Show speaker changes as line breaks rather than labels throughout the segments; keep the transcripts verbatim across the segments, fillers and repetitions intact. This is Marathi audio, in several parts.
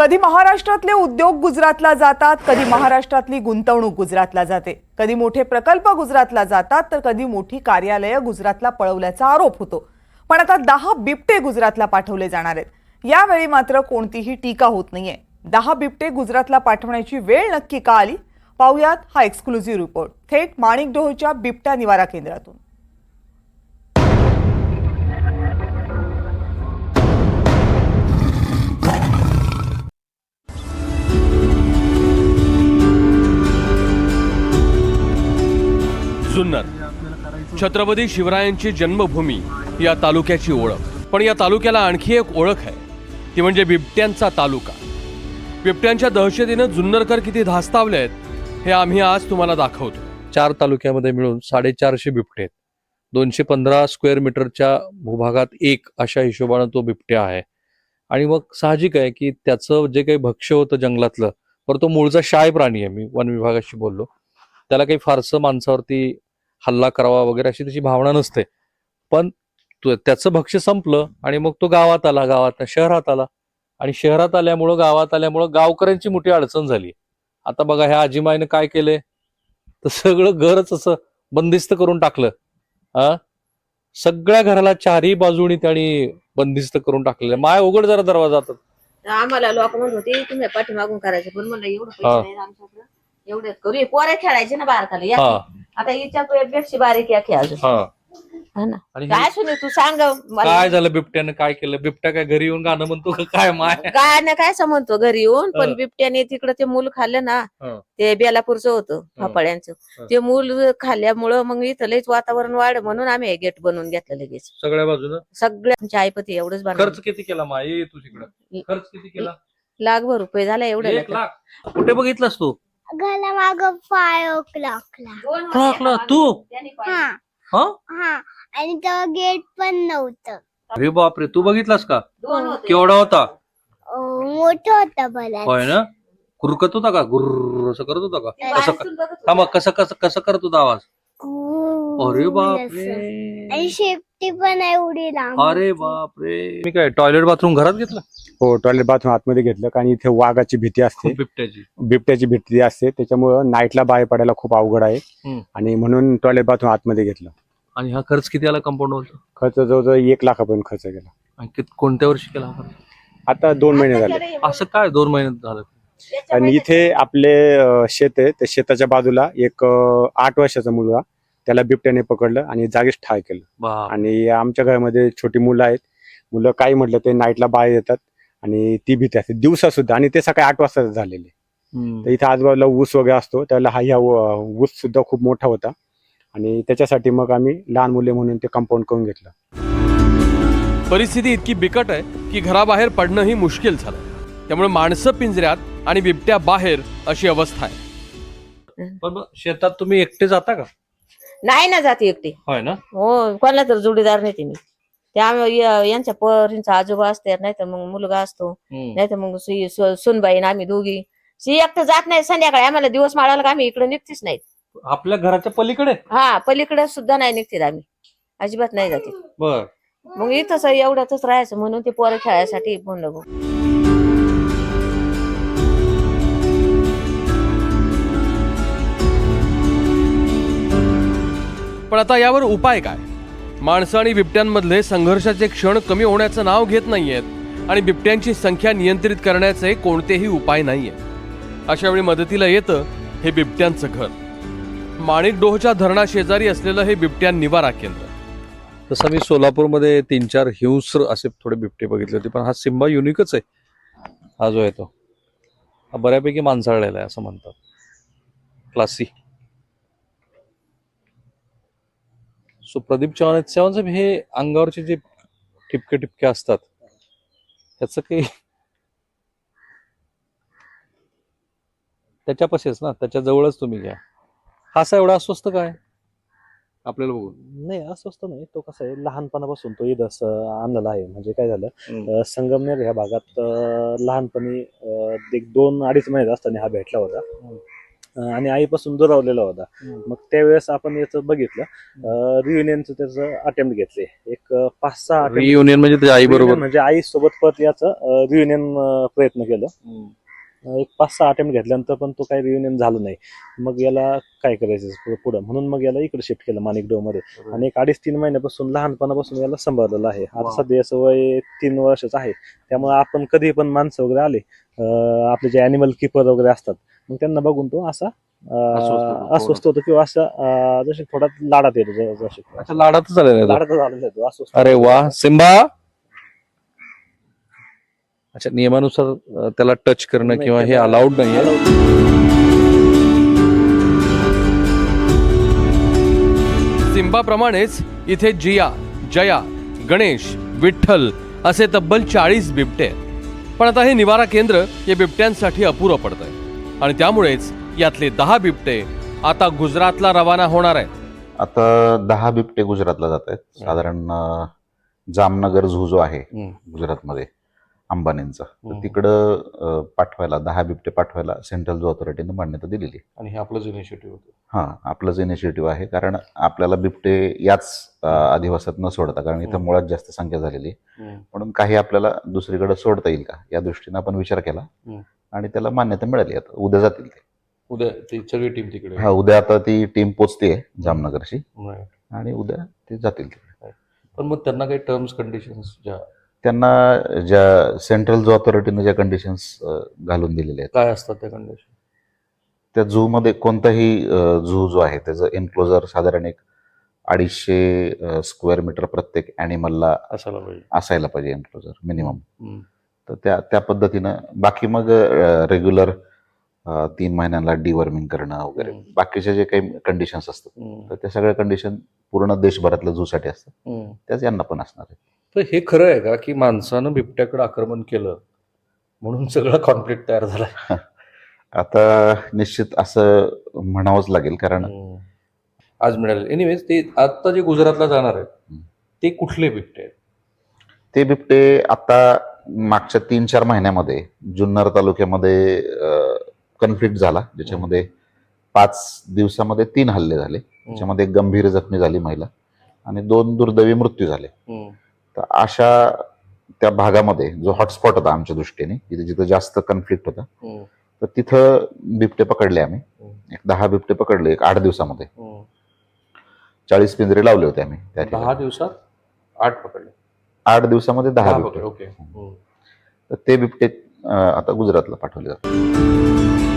कधी महाराष्ट्रातले उद्योग गुजरातला जातात, कधी महाराष्ट्रातली गुंतवणूक गुजरातला जाते, कधी मोठे प्रकल्प गुजरातला जातात तर कधी मोठी कार्यालये गुजरातला पळवल्याचा आरोप होतो. पण आता दहा बिबटे गुजरातला पाठवले जाणार आहेत. यावेळी मात्र कोणतीही टीका होत नाहीये. दहा बिबटे गुजरातला पाठवण्याची वेळ नक्की का आली, पाहुयात हा एक्सक्लुझिव्ह रिपोर्ट थेट माणिकडोहच्या बिबट्या निवारा केंद्रातून.
जुन्नर छत्रपती शिवरायांची जन्मभूमी या तालुक्याची ओळख. पण या तालुक्याला आणखी एक ओळख आहे, ती म्हणजे बिबट्यांचा तालुका. बिबट्यांच्या दहशतीनं जुन्नरकर किती धास्तावले आहेत हे आम्ही आज तुम्हाला दाखवतो.
चार तालुक्यामध्ये मिळून साडेचारशे बिबटे आहेत. दोनशे पंधरा स्क्वेअर मीटरच्या भूभागात एक अशा हिशोबानं तो बिबट्या आहे. आणि मग साहजिक आहे की त्याचं जे काही भक्ष्य होतं जंगलातलं, पर तो मूळचा शाय प्राणी आहे. मी वन विभागाशी बोललो, त्याला काही फारसं माणसावरती हल्ला करावा वगैरे अशी त्याची भावना नसते. पण त्याचं भक्ष्य संपलं आणि मग तो गावात आला, गावात शहरात आला, आणि शहरात आल्यामुळं गावात आल्यामुळं गावकऱ्यांची मोठी अडचण झाली. आता बघा ह्या आजीमाईनं काय केलंय, तर सगळं घरच असं बंदिस्त करून टाकलं. हा, सगळ्या घराला चारही बाजूनी त्यांनी बंदिस्त करून टाकलेलं. माय उघड जरा दरवाजा.
आम्हाला लोक म्हणत होते तुम्ही पाठीमागून करायचं, पण म्हणलं एवढं पैसे नाही आमच्याकडे, एवढेच करू. पोरे खेळायचे ना बारकाला, या आता हिच्या पेक्षा बारीक या खेळ अजून. काय सुने तू सांग
काय झालं बिबट्यानं काय केलं? बिबट्या काय घरी येऊन गाणं म्हणतो का काय? माय
काय ना काय समजतो घरी येऊन, पण बिबट्याने तिकडे ते मूल खाल्लं ना, ते बेलापूरचं होतं फाफळ्यांचं, ते मूल खाल्ल्यामुळं मग इथं लयच वातावरण वाढ म्हणून आम्ही हे गेट बनवून घेतलं लगेच
सगळ्या बाजूला.
सगळ्या आमच्या आईपती एवढंच बनवलं.
खर्च किती केला माय तू तिकडं? खर्च किती केला?
लाखभर रुपये झाला. एवढं
एक लाख? कुठे बघितलास तू?
घाला माग पाय ओकला
तू?
हा हा, आणि तेव्हा गेट पण नव्हतं.
अरे बापरे, तू बघितलास का?
दोन होते.
केवढा होता?
मोठं होतं बरं.
होय ना? गुरकत होता का? गुर्र असं करत होता का? कसं
बाहेरून बघत
हा, मग
होता.
कसं कसं कसं करत होता आवाज? अरे बापरे,
आणि शेपटी पण एवढी लांब.
अरे बापरे. मी काय टॉयलेट बाथरूम घरात घेतलं?
हो, टॉयलेट बाथरूम आतमध्ये घेतलं, कारण इथे वाघाची भीती असते,
बिबट्याची
बिबट्याची भीती असते, त्याच्यामुळं नाईटला बाहेर पडायला खूप अवघड आहे.
हम्म.
आणि म्हणून टॉयलेट बाथरूम आतमध्ये घेतलं.
आणि हा खर्च किती आला कंपाऊंड वरचा?
खर्च जवळजवळ एक लाखापर्यंत खर्च केला.
आणि कित- कोणत्या वर्षी केला हा खर्च?
आता दोन महिने झाले.
असं काय दोन महिन्यात झालं?
आणि इथे आपले अं, शेत आहे, त्या शेताच्या बाजूला एक अं, आठ वर्षाचा मुलगा, त्याला बिबट्याने पकडलं आणि जागीच ठार केलं.
बाप.
आणि आमच्या घरामध्ये छोटी मुलं आहेत. मुलं काही म्हटलं ते नाईटला बाहेर येतात आणि ती भीती असते दिवसा सुद्धा, आणि ते सकाळी आठ वाजता झालेले.
हम्म.
तर इथे आजूबाजूला ऊस वगैरे असतो, त्याला हा ह्या ऊ- ऊस सुद्धा खूप मोठा होता, आणि त्याच्यासाठी मग आम्ही लहान मुले म्हणून ते कंपाऊंड करून घेतलं.
परिस्थिती इतकी बिकट आहे की घराबाहेर पडणंही मुश्किल झालं. त्यामुळे माणसं पिंजऱ्यात आणि बिबट्या बाहेर अशी अवस्था आहे.
पण मग शेतात तुम्ही एकटे जाता का?
नाही ना जाते एकटी.
होय ना?
हो, कोणाला तर जोडीदार नाही मी. त्यामुळे यांच्या परींचा आजोबा असते, नाही तर मग मुलगा असतो,
हम्म.
नाही तर मग सुई- सु- सुनबाई आणि आम्ही दोघी. सी एकटं जात नाही. संध्याकाळी आम्हाला दिवस माळाला का आम्ही इकडे निघतीच नाही.
आपल्या घराच्या पलीकडे?
हा, पलीकडे सुद्धा नाही निघतील आम्ही, अजिबात नाही जाते.
बर.
मग इथंच एवढ्यातच राहायचं म्हणून ते पोरं खेळायसाठी म्हणलं गो.
पण आता यावर उपाय काय? माणसं आणि बिबट्यांमधले संघर्षाचे क्षण कमी होण्याचं नाव घेत नाहीयेत आणि बिबट्यांची संख्या नियंत्रित करण्याचे कोणतेही उपाय नाहीयेत. अशा वेळी मदतीला येतं हे बिबट्यांचं घर. माणिकडोहच्या धरणाशेजारी असलेलं हे बिबट्या निवारा केंद्र.
तसं मी सोलापूरमध्ये तीन चार हिंस्र असे थोडे बिबटे बघितले होते, पण हा सिम्बा युनिकच आहे. हा जो आहे तो हा बऱ्यापैकी माणसाळलेला आहे असं म्हणतात. क्लासी. सो प्रदीप चव्हाण चव्हाण हे अंगावरचे जे ठिपके ठिपके असतात त्याचं काही त्याच्यापाशीच ना, त्याच्या जवळच तुम्ही घ्या. हा असा एवढा अस्वस्थ काय आपल्याला बघून?
नाही, अस्वस्थ नाही. तो कसा आहे, लहानपणापासून तो इथं असं आणलेला आहे. म्हणजे काय झालं,
हम्म.
अं, संगमनेर ह्या भागात अं, लहानपणी अं, एक दोन अडीच महिन्यात असताना हा भेटला होता. अं, आणि आईपासून दुरावलेला होता. मग त्यावेळेस आपण याचं बघितलं रियुनियनचं त्याचं अटेम्प्ट घेतले एक अं, पाच सहा attempt-
रियुनियन म्हणजे त्याच्या आई
reunion
बरोबर
म्हणजे आई सोबत परत याचं रियुनियन प्रयत्न केलं. अं, एक पाच सहा अटेम्प्ट घेतल्यानंतर पण तो काही रियुनियन झालं नाही. मग याला काय करायचं पुढं- पुढं म्हणून मग याला इकडे शिफ्ट केलं माणिकडो मध्ये आणि एक अडीच तीन महिन्यापासून लहानपणापासून याला सांभाळलेलं आहे. आता सध्या याचं वय तीन वर्षाचं आहे. त्यामुळे आपण कधी पण माणसं वगैरे आले अं, आपले जे अॅनिमल किपर वगैरे असतात मग त्यांना बघून तो असा अं,
अस्वस्थ होतो.
अस्वस्थ होतो किंवा असं अं, जसे थोडा लाडात येतो ज- जसे
अच्छा, लाडातच झालेला आहे तो.
लाडात झालेला आहे तो अस्वस्थ.
अरे वा सिम्बा. अच्छा, नियमानुसार अं, त्याला टच करणं
नाही,
किंवा हे
त्याला-
अलाउड नाहीये.
allowed
सिंबाप्रमाणेच इथे जिया, जया, गणेश, विठ्ठल असे तब्बल चाळीस बिबटे आहेत. पण आता हे निवारा केंद्र या बिबट्यांसाठी अपुरं पडतंय आणि त्यामुळेच यातले दहा बिबटे आता गुजरातला रवाना होणार आहेत.
आता दहा बिबटे गुजरातला जात आहेत. साधारण अं, जामनगर झू जो आहे
हम्म.
गुजरातमध्ये अंबानींचा, तर
हम्म.
तिकडं अं, पाठवायला दहा बिबटे पाठवायला सेंट्रल झू ऑथॉरिटीने मान्यता दिलेली.
आणि हे आपलंच इनिशिएटिव्ह होतं.
हा आपलंच इनिशिएटिव्ह आहे, कारण आपल्याला बिबटे याच अं, अधिवासात न सोडता, कारण इथं
हम्म.
मुळात जास्त संख्या झालेली आहे,
हम्म.
म्हणून काही आपल्याला दुसरीकडे सोडता येईल का या दृष्टीने आपण विचार केला
हम्म.
आणि त्याला मान्यता मिळाली. आता उद्या जातील ते.
उद्या ती सगळी टीम तिकडे.
हा उद्या आता ती टीम पोचते जामनगरची
Right.
आणि उद्या ते जातील तिकडे.
पण मग त्यांना काही टर्म्स कंडिशन्स ज्या
त्यांना ज्या सेंट्रल झू ऑथॉरिटीने ज्या कंडिशन्स घालून दिलेल्या आहेत,
काय असतात त्या कंडिशन?
त्या झू मध्ये कोणताही झू जो आहे त्याचं एन्क्लोजर साधारण एक अडीचशे स्क्वेअर मीटर प्रत्येक ॲनिमलला
असायला पाहिजे.
असायला पाहिजे एन्क्लोजर मिनिमम.
हम्म.
तर त्या त्या पद्धतीनं बाकी मग रेग्युलर तीन महिन्यांना डिवर्मिंग करणं वगैरे
हम्म.
बाकीचे जे काही कंडिशन्स असतात,
हम्म.
तर त्या सगळ्या कंडिशन पूर्ण देशभरातल्या झूसाठी असतात,
हम्म.
त्याच यांना पण असणार आहे.
तर हे खरं आहे का की माणसानं बिबट्याकडे आक्रमण केलं म्हणून सगळा कॉन्फ्लिक्ट तयार झाला?
आता निश्चित असं म्हणावंच लागेल, कारण
आज मिळाले. एनिवेज ते आता जे गुजरातला जाणार आहेत
हम्म.
ते कुठले बिबटे आहेत?
ते बिबटे आता मागच्या तीन चार महिन्यामध्ये जुन्नर तालुक्यामध्ये कन्फ्लिक्ट झाला, ज्याच्यामध्ये पाच दिवसामध्ये तीन हल्ले झाले. त्याच्यामध्ये एक गंभीर जखमी झाली महिला आणि दोन दुर्दैवी मृत्यू झाले.
हम्म.
तर अशा त्या भागामध्ये जो हॉटस्पॉट होता आमच्या दृष्टीने, जिथे जिथे जास्त कन्फ्लिक्ट होता,
हम्म.
तर तिथं बिबटे पकडले आम्ही.
हम्म.
एक दहा बिबटे पकडले एक आठ दिवसामध्ये.
हम्म.
चाळीस पिंजरे लावले होते आम्ही त्या
दहा
ठिकाणी.
दिवसात आठ पकडले.
आठ दिवसामध्ये दहा
दहा
बिबटे.
पकडले. ओके. हम्म.
तर ते बिबटे अं, आता गुजरातला पाठवले जातात.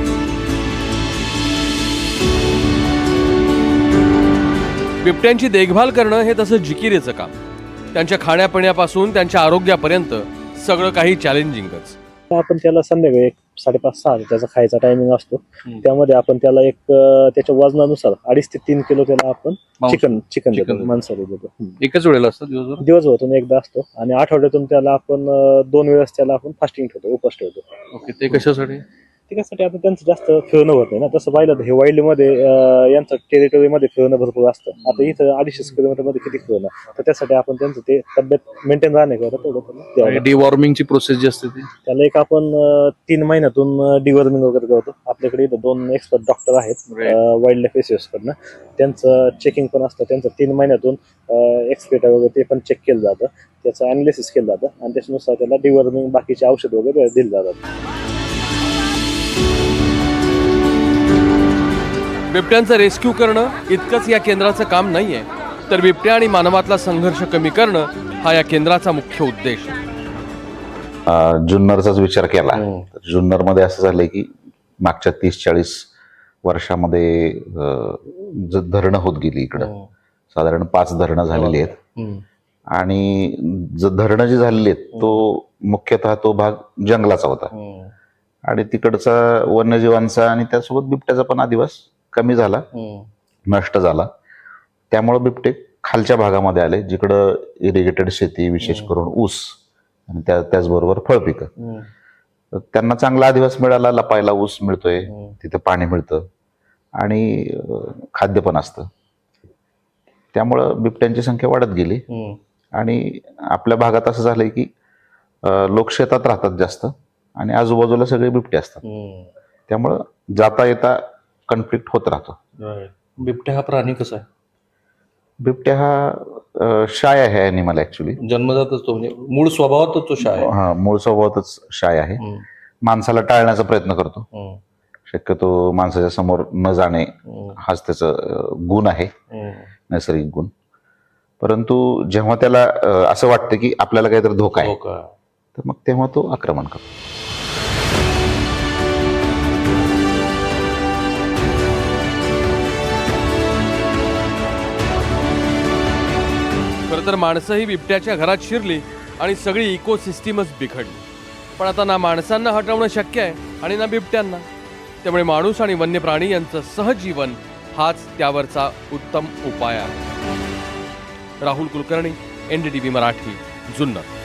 बिबट्यांची देखभाल करणं हे तसं जिकिरीचं काम. त्यांच्या खाण्यापिण्यापासून त्यांच्या आरोग्यापर्यंत सगळं काही चॅलेंजिंगच.
आपण त्याला संध्याकाळी एक साडेपाच सहा त्याचा खायचा टायमिंग असतो.
हम्म.
त्यामध्ये आपण त्याला एक अं, त्याच्या वजनानुसार अडीच ते तीन किलो त्याला आपण
मांस-
चिकन चिकन
चिकन
देतो
देतो.
मांसाहारी देतो. हम्म.
एकच वेळेला असतं दिवसभर?
दिवसभरातून एकदा असतो आणि आठवड्यातून त्याला आपण अं, दोन वेळेस त्याला आपण फास्टिंग ठेवतो, उपास ठेवतो.
ओके. ते कशासाठी?
त्यासाठी आता त्यांचं जास्त फिरणं होत नाही ना. तसं पाहिलं तर हे वाईल्ड मध्ये अं, यांचं टेरिटोरी मध्ये फिरणं भरपूर असतं. आता इथं अडीचशे किलोमीटर मध्ये किती फिरणं, तर त्यासाठी आपण त्यांचं ते तब्येत मेंटेन राहण्याकरता तेवढं त्यांना द्यावं लागतं.
डिवॉर्मिंगची प्रोसेस जी असते ती?
त्याला एक आपण अं, तीन महिन्यातून डिवर्मिंग वगैरे करतो. आपल्याकडे इथं दोन एक्सपर्ट डॉक्टर आहेत
Right.
वाईल्ड लाईफ एसोसिएशन कडनं. त्यांचं चेकिंग पण असतं. त्यांचं तीन महिन्यातून एक्सपेटा वगैरे ते पण चेक केलं जातं, त्याचं अनालिसिस केलं जातं आणि त्याच्यानुसार त्याला डिवर्मिंग बाकीचे औषध वगैरे दिले जातात.
बिबट्यांचं रेस्क्यू करणं इतकंच या केंद्राचं काम नाहीये, तर बिबट्या आणि मानवातला संघर्ष कमी करणं हा या केंद्राचा मुख्य उद्देश.
अं, जुन्नरचाच विचार केला
हम्म.
तर जुन्नरमध्ये असं झालंय की मागच्या तीस चाळीस वर्षामध्ये अं, ज- धरणं होत गेली इकडं.
हम्म.
साधारण पाच धरणं झालेली आहेत
हम्म.
आणि ज- धरणं जी झालेली आहेत तो मुख्यतः तो भाग जंगलाचा होता
हम्म.
आणि तिकडचा वन्यजीवांचा आणि त्यासोबत बिबट्याचा पण अधिवास कमी झाला,
हम्म.
नष्ट झाला. त्यामुळे बिबटे खालच्या भागामध्ये आले, जिकडं इरिगेटेड शेती, विशेष करून ऊस आणि त्या त्याचबरोबर फळपिकं.
हम्म.
तर त्यांना चांगला अधिवास मिळाला. लपायला ऊस मिळतोय,
हम्म.
तिथं पाणी मिळतं आणि अं, खाद्य पण असतं. त्यामुळं बिबट्यांची संख्या वाढत गेली
हम्म.
आणि आपल्या भागात असं झालंय की अं, लोक शेतात राहतात जास्त आणि आजूबाजूला सगळे बिबटे असतात.
हम्म.
त्यामुळं जाता येता कन्फ्लिक्ट होत राहतो.
बिबट्या हा प्राणी कसा आहे?
बिबट्या हा अ, शाय आहे ॲनिमल ऍक्च्युली.
जन्मजातच तो म्हणजे मूळ स्वभावातच तो शाय आहे.
हा मूळ स्वभावातच शाय आहे.
हम्म,
माणसाला टाळण्याचा प्रयत्न करतो.
हम्म,
शक्यतो माणसाच्या समोर न जाणे
हम्म,
हाच त्याचा अ, गुण आहे,
हम्म.
नैसर्गिक गुण. परंतु जेव्हा त्याला अ, असं वाटतं की आपल्याला काहीतरी धोका आहे,
हो का?
तर मग तेव्हा तो आक्रमण करतो.
खरं तर माणसंही बिबट्याच्या घरात शिरली आणि सगळी इकोसिस्टीमच बिघडली. पण आता ना माणसांना हटवणं शक्य आहे आणि ना बिबट्यांना. त्यामुळे माणूस आणि वन्य प्राणी यांचं सहजीवन हाच त्यावरचा उत्तम उपाय आहे. Rahul Kulkarni, N D T V Marathi, Junnar.